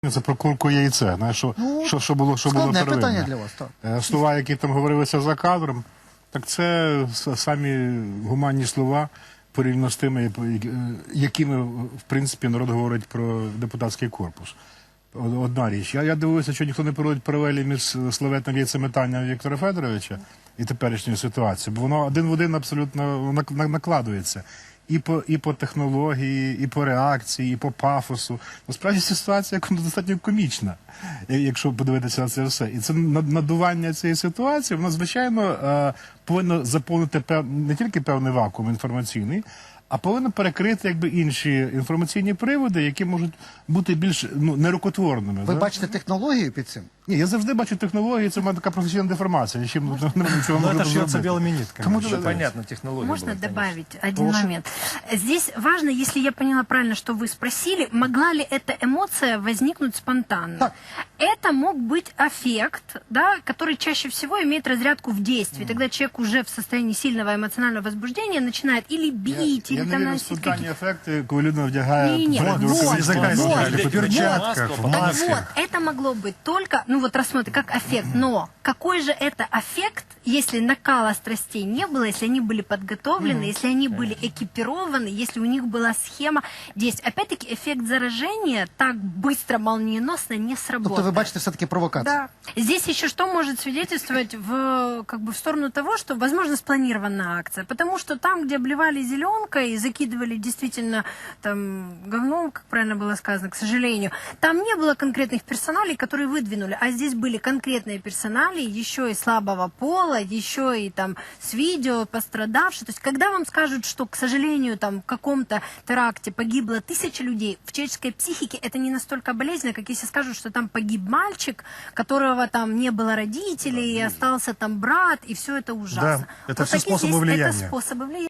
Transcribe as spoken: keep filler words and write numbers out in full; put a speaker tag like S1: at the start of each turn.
S1: Це про курку і яйце. Знаєш, що,
S2: Ну,
S1: що, що було, що було
S2: складне
S1: первинне.
S2: питання для вас, так.
S1: Е, Слова, які там говорилися за кадром, так це с- самі гуманні слова порівняно з тими, які- якими, в принципі, народ говорить про депутатський корпус. Од- Одна річ. Я, я дивуюся, що ніхто не проводить паралелі між славетним яйцеметанням Віктора Федоровича і теперішньою ситуацією, бо воно один в один абсолютно нак- нак- накладується. І по, і по технології, і по реакції, і по пафосу. Насправді ситуація достатньо комічна, я- якщо подивитися на це все. І це над- надування цієї ситуації, воно, звичайно, е, повинно заповнити пев... не тільки певний вакуум інформаційний, а повинно перекрити якби інші інформаційні приводи, які можуть бути більш ну, нерукотворними.
S2: Ви
S1: да?
S2: бачите технологію під цим?
S1: Ні, я завжди бачу технології, це в мене така професійна деформація. Нічим не можу нічого
S3: Ну,
S1: можу
S3: это шьется
S1: зробити.
S3: белыми нитками.
S1: Тому
S3: Всё
S1: що-
S3: понятно, технология
S4: Можно
S3: была, конечно.
S4: добавить один момент? Здесь важно, если я поняла правильно, что вы спросили, могла ли эта эмоция возникнуть спонтанно?
S2: Так.
S4: Это мог быть аффект, да, который чаще всего имеет разрядку в действии. Тогда человек уже в состоянии сильного эмоционального возбуждения начинает или бить,
S1: Я
S4: или
S1: не
S4: там
S1: вірю в
S4: наносить
S1: спонтанні
S4: какие-то...
S1: ефекти, коли людина вдягає
S4: Ні-ні,
S1: передню
S4: вот,
S1: рукавичку.
S3: языка
S4: вот,
S3: сняли,
S4: вот.
S3: в перчатках, в
S4: Так
S3: маске.
S4: вот, это могло быть только, ну вот рассмотрите, как аффект. Но какой же это аффект, если накала страстей не было, если они были подготовлены, если они были экипированы, если у них была схема действий. Опять-таки, эффект заражения так быстро, молниеносно не сработает.
S2: Тобто ви бачите все-таки провокацію?
S4: Да. Здесь еще что может свидетельствовать в, как бы, в сторону того, что, возможно, спланированная акция. Потому что там, где обливали зеленкой и закидывали действительно там говном, как правильно было сказано, к сожалению, там не было конкретных персоналей, которые выдвинули. А здесь были конкретные персонали, еще и слабого пола, еще и там с видео пострадавшие. То есть, когда вам скажут, что, к сожалению, там в каком-то теракте погибло тысяча людей, в человеческой психике это не настолько болезненно, как если скажут, что там погиб мальчик, которого там не было родителей, и остался там брат, и все это ужасно.
S3: Да, это
S4: Вот
S3: все
S4: такие
S3: способы
S4: здесь-
S3: влияния.
S4: Это способы влияния.